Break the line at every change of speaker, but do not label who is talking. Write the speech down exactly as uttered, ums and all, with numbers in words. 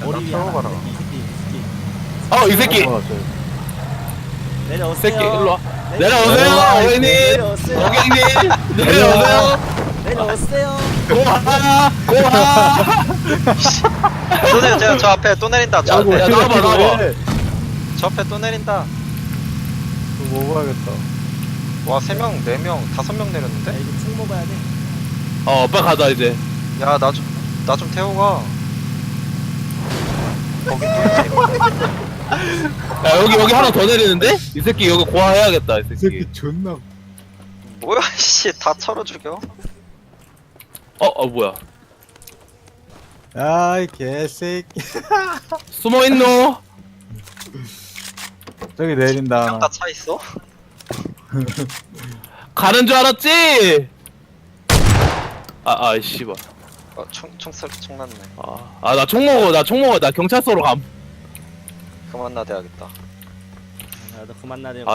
머리 위에
태워
하나.
가라.
이 새끼, 이 새끼.
어, 이 새끼.
내려오세요.
새끼, 일로 와.
내려-
내려오세요, 어머님.
내려오세요.
고객님. 내려오세요.
내려오세요.
고하. 고하.
또 내려 저 앞에 또 내린다 저
야,
앞에
야, 나와봐, 나와봐.
저 앞에 또 내린다
또 먹어야겠다.
와 세 명 네 명 다섯 명
야,
내렸는데
이제 총 먹어야 돼.
어, 빨리 가자, 이제.
야 나 좀 나 좀 태워 가 거기 또 있지 이거.
야, 여기, 여기 하나 더 내리는데? 이 새끼 여기 고하해야겠다, 이
이
새끼.
새끼 존나.
뭐야 씨다 철어 죽여
어, 어, 뭐야.
아이 개새끼.
숨어있노?
저기 내린다. 하나.
다차 있어?
가는 줄 알았지? 아, 아, 씨발.
어총총 총 났네
아, 아, 나 총 먹어, 나 총 먹어. 나 경찰서로 감.
그만 나대야겠다
나도 그만 나대.
아,